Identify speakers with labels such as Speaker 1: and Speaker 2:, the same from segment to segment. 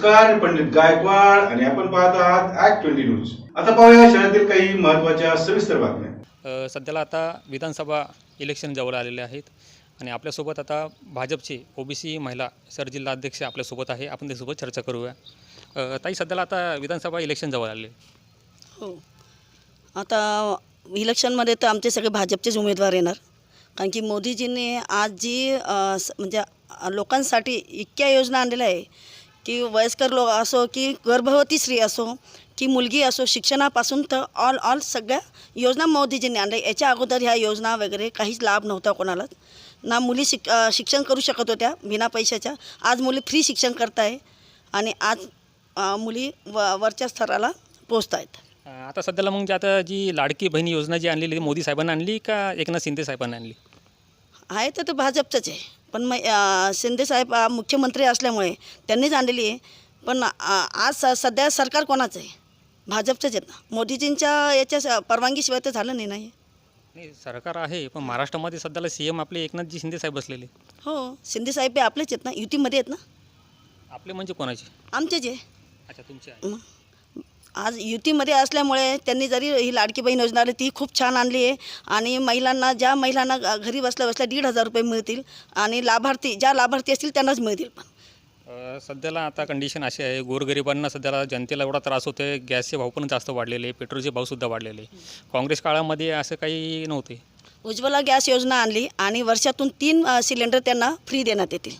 Speaker 1: नमस्कार, मी पंडित गायकवाड आणि आपण पाहत आहात ॲक्ट 20 न्यूज. आता पाहूया शहरातील काही महत्त्वाच्या सविस्तर बातम्या.
Speaker 2: सध्याला आता विधानसभा इलेक्शन जवळ आलेले आहेत आणि आपल्यासोबत आता भाजपचे ओबीसी महिला सरजिल्हाध्यक्ष आपल्यासोबत आहे. आपण त्यासोबत चर्चा करूया. ताई, सध्याला आता विधानसभा इलेक्शन जवळ आले.
Speaker 3: हो, आता इलेक्शनमध्ये तर आमचे सगळे भाजपचेच उमेदवार येणार. कारण की मोदीजींनी आज जी म्हणजे लोकांसाठी इतक्या योजना आणलेल्या आहे की वयस्कर लोक असो की गर्भवती स्त्री असो की मुलगी असो, शिक्षणापासून तर ऑल सगळ्या योजना मोदीजींनी आणल्या. याच्या अगोदर ह्या योजना वगैरे काहीच लाभ नव्हता कोणालाच. ना मुली शिक्षण करू शकत होत्या बिना पैशाच्या. आज मुली फ्री शिक्षण करत आहे आणि आज मुली वरच्या स्तराला पोचत आहेत.
Speaker 2: आता सध्याला मग आता जी लाडकी बहीण योजना जी आणलेली मोदी साहेबांनी आणली का एकनाथ शिंदे साहेबांनी आणली?
Speaker 3: आहे तर ते भाजपचंच आहे, पण मग शिंदेसाहेब मुख्यमंत्री असल्यामुळे त्यांनीच आणलेली आहे. पण आज सध्या सरकार कोणाचं आहे? भाजपचंच आहेत ना. मोदीजींच्या याच्या परवानगीशिवाय तर झालं नाही.
Speaker 2: नाही, सरकार आहे पण महाराष्ट्रामध्ये सध्याला CM आपले एकनाथजी शिंदे साहेब बसलेले.
Speaker 3: हो, शिंदेसाहेब बी आपलेच आहेत ना, युतीमध्ये आहेत ना.
Speaker 2: आपले म्हणजे कोणाचे?
Speaker 3: आमचेच आहे.
Speaker 2: अच्छा, तुमचे आहे.
Speaker 3: आज युतीमध्ये असल्यामुळे त्यांनी जरी ही लाडकी बहीण योजना आली ती खूप छान आणली आहे आणि महिलांना, ज्या महिलांना घरी बसल्या 1,500 रुपये मिळतील आणि ज्या लाभार्थी असतील त्यांनाच मिळतील. पण
Speaker 2: सध्याला आता कंडिशन अशी आहे, गोरगरिबांना सध्याला जनतेला एवढा त्रास होतो आहे. गॅसचे भाव पण जास्त वाढलेले, पेट्रोलचे भावसुद्धा वाढलेले. काँग्रेस काळामध्ये असं काही नव्हते.
Speaker 3: उज्ज्वला गॅस योजना आणली आणि वर्षातून 3 सिलेंडर त्यांना फ्री देण्यात येतील.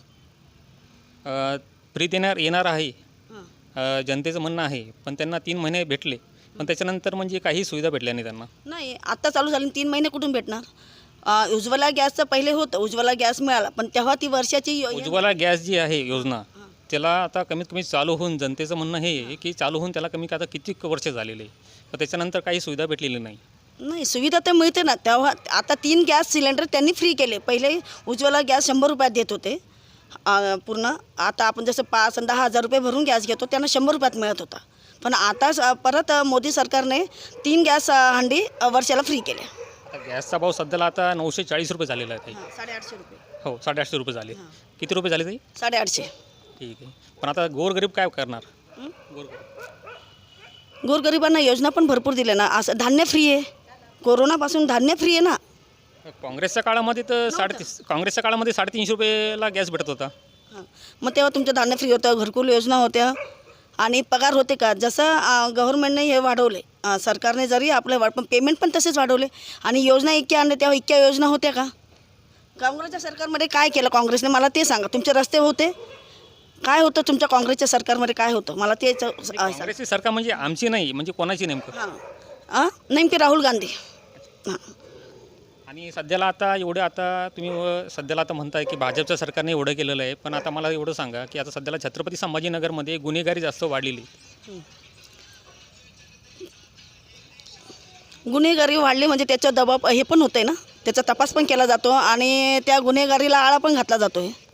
Speaker 2: फ्री येणार आहे जनतेचं म्हणणं आहे, पण त्यांना 3 महिने भेटले, पण त्याच्यानंतर म्हणजे काही सुविधा भेटल्या नाही त्यांना.
Speaker 3: नाही, आत्ता चालू झाली, 3 महिने कुठून भेटणार? उज्ज्वला गॅसचं पहिले होतं, उज्ज्वला गॅस मिळाला, पण तेव्हा ती वर्षाची
Speaker 2: उज्ज्वला गॅस जी आहे योजना, त्याला आता कमीत कमी चालू होऊन, जनतेचं म्हणणं हे आहे की चालू होऊन त्याला कमी आता किती वर्ष झालेले, पण त्याच्यानंतर काही सुविधा भेटलेली नाही.
Speaker 3: नाही, सुविधा तर मिळते ना. तेव्हा आता 3 गॅस सिलेंडर त्यांनी फ्री केले. पहिले उज्ज्वला गॅस 100 रुपयात देत होते पूर्ण. आता आपण जसं 5 आणि 10,000 रुपये भरून गॅस घेतो त्यांना 100 रुपयात मिळत होता. पण आता परत मोदी सरकारने 3 गॅस हंडी वर्षाला फ्री केल्या.
Speaker 2: आता गॅसचा भाव सध्याला आता 940 रुपये झालेला आहे.
Speaker 3: 850 रुपये.
Speaker 2: हो, 850 रुपये झाले. किती रुपये झाले ताई?
Speaker 3: 850.
Speaker 2: ठीक आहे, पण आता गोरगरीब काय करणार?
Speaker 3: गोरगरिबांना योजना पण भरपूर दिल्या ना. असं धान्य फ्री आहे, कोरोनापासून धान्य फ्री आहे ना.
Speaker 2: काँग्रेसच्या काळामध्ये तर 350 रुपयेला गॅस भेटत होता.
Speaker 3: मग तेव्हा तुमचं धान्य फ्री होतं, घरकुल योजना होत्या आणि पगार होते का? जसं गव्हर्नमेंटने हे वाढवले, सरकारने जरी आपलं पण पेमेंट पण तसेच वाढवले आणि योजना इतक्या आणल्या, तेव्हा इतक्या योजना होत्या का? काँग्रेसच्या सरकारमध्ये काय केलं काँग्रेसने? मला ते सांगा. तुमचे रस्ते होते? काय होतं तुमच्या काँग्रेसच्या सरकारमध्ये? काय होतं मला ते
Speaker 2: काँग्रेसची सरकार म्हणजे आमची नाही, म्हणजे कोणाची नेमकं?
Speaker 3: नेमके राहुल गांधी.
Speaker 2: आणि सध्याला आता तुम्ही सध्याला आता म्हणताय की भाजपच्या सरकारने एवढं केलेलं आहे, पण आता मला एवढं सांगा की आता सध्याला छत्रपती संभाजीनगरमध्ये गुन्हेगारी जास्त वाढलेली.
Speaker 3: गुन्हेगारी वाढली म्हणजे त्याचा दबाव हे पण होतं आहे ना, त्याचा तपास पण केला जातो आणि त्या गुन्हेगारीला आळा पण घातला जातो आहे.